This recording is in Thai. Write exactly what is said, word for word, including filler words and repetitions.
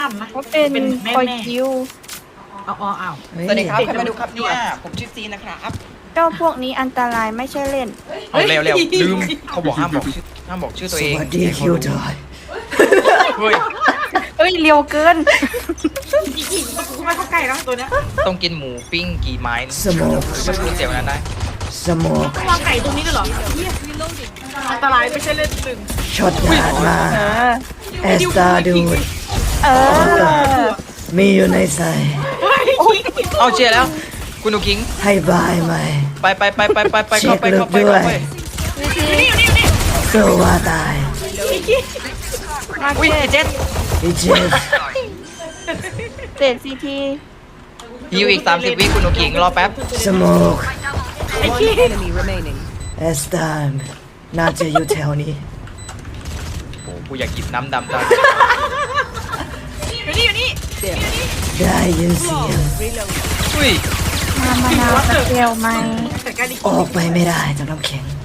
ข้ามนะเขาเป็นเป็นแม่คอยแม่คิวเอาเอาเอาสวัสดีครับใครมาดูครับเนี่ยผมชื่อซีนะครับเจ้าพวกนี้อันตรายไม่ใช่เล่นเอาเร็วเร็วลืมเขาบอกห้ามบอกชื่อห้ามบอกชื่อตัวเองสวัสดีคิวจอยเฮ้ยเอ้ยเร็วเกินจริงๆกูไม่เข้าใกล้แล้วตัวเนี้ยต้องกินหมูปิ้งกี่ไม้สโมกไม่พูดเสียงนั้นได้สโมกต้องวางไก่ตรงนี้ด้วยเหรอเหี้ยอันตรายไม่ใช่เล่นหนึ่งช็อตดาดมาเออเอสตาดูดเออมีอยู่ในใจเอาเชียร์แล้ว คุณหนูคิงให้บายไหมไปไปไปไปไปไปเข้าไปเข้าไปเช็คลึกด้วยเข้าไปสู้ว่าตายมาอุ้ยเกไอ้ตเจ็ดอีเจสเศษซีทีฮิวอีกสามสิบวิคุณหนูคิงรอแป๊บสโมก enemy remaining. เอสตาน่าจะอยู่แถวนี้โอ้กูอยากกินน้ำดำตาอยู่นี่อยู่นี่ได้ยินเสียงอุ้ยมามานาวสเกลไหมแต่การดีออกไปไม่ได้จากน้ำแข็ง